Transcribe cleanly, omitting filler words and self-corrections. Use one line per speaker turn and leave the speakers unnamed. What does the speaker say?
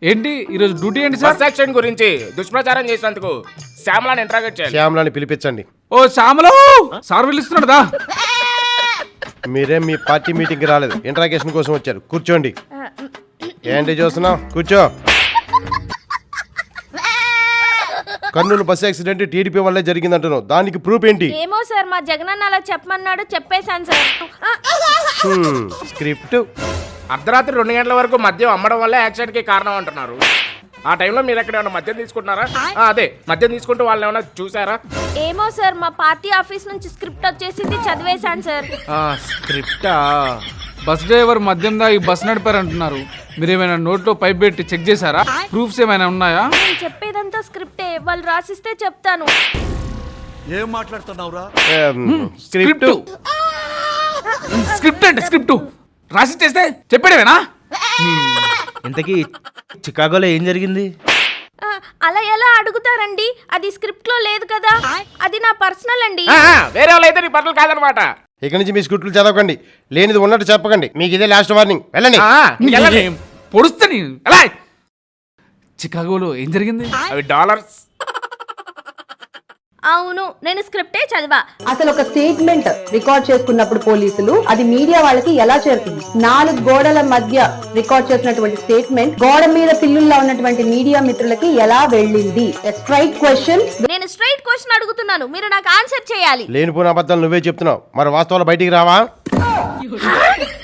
ఏంటి ఈరోజు డ్యూటీ ఏంటి సార్?
బస్ యాక్సిడెంట్ గురించి దుష్ప్రచారం చేసినందుకు శ్యామలాని ఇంట్రాగేట్ చేయాలి.
శ్యామలాని పిలిపించండి.
ఓ శ్యామలో సార్ పిలుస్తున్నాడుదా?
మీరేం మీ పార్టీ మీటింగ్కి రాలేదు, ఇంట్రాగేషన్ కోసం వచ్చారు. కూర్చోండి. ఏంటి చూస్తున్నావు? కూర్చో. కర్నూలు బస్ యాక్సిడెంట్ టీడీపీ వల్లే జరిగిందంటున్నావు, దానికి ప్రూఫ్ ఏంటి?
ఏమో సార్, మా జగనన్న అలా చెప్పమన్నాడు, చెప్పేశాను సార్.
స్క్రిప్ట్.
అర్ధరాత్రి 2 గంటల వరకు మద్యం అమ్మడం వల్ల యాక్సిడెంట్ కి కారణం అంటున్నారు. ఆ టైంలో మీరు ఎక్కడ ఏమైనా మద్యం తీసుకుంటున్నారా? అదే మద్యం తీసుకుంటూ వాళ్ళని ఏమైనా చూసారా?
ఏమో సార్, మా పార్టీ ఆఫీస్ నుంచి స్క్రిప్ట్ వచ్చేసింది, చదివేశాను సార్.
స్క్రిప్టా?
బస్ డ్రైవర్ మద్యం దాగి బస్ నడిపారంటున్నారు. మీరేమైనా నోట్లో పైప్ పెట్టి చెక్ చేశారా? ప్రూఫ్స్ ఏమైనా ఉన్నాయా?
నేను చెప్పేదంతా స్క్రిప్టే, వాళ్ళు రాసిస్తే చెప్తాను.
ఏం మాట్లాడుతున్నావురా?
స్క్రిప్ట్.
స్క్రిప్ట్ అంటే స్క్రిప్ట్ రాసి చేస్తే చెప్పాడేనా?
ఇంతకీ చికాగోలో ఏం జరిగింది?
అలా ఎలా అడుగుతారండి? అది స్క్రిప్ట్ లో లేదు కదా, అది నా పర్సనల్ అండి.
వేరే వాళ్ళు అయితే నీ పనులు కాదనమాట.
ఇక నుంచి మీ స్క్రిప్ట్లు చదవకండి, లేనిది ఉన్నట్టు చెప్పకండి. మీకు ఇదే లాస్ట్ వార్నింగ్. వెళ్ళండి.
పొడుస్తా నేను. చికాగోలో ఏం జరిగింది?
అవి డాలర్స్.
అవును, నేను స్క్రిప్టే చదివా.
అసలు ఒక స్టేట్మెంట్ రికార్డ్ చేసుకున్నప్పుడు పోలీసులు అది మీడియా వాళ్ళకి ఎలా చేరుతుంది? 4 గోడల మధ్య రికార్డ్ చేసినటువంటి స్టేట్మెంట్ గోడ మీద పిల్లుల్లో ఉన్నటువంటి మీడియా మిత్రులకి ఎలా వెళ్ళింది? Straight question.
నేను స్ట్రైట్ క్వశ్చన్ అడుగుతున్నాను, మీరు నాకు ఆన్సర్ చేయాలి.
లేనిపోయిన అబద్ధాలు నువ్వే చెప్తున్నావు, మరి వాస్తవాలు బయటికి రావా?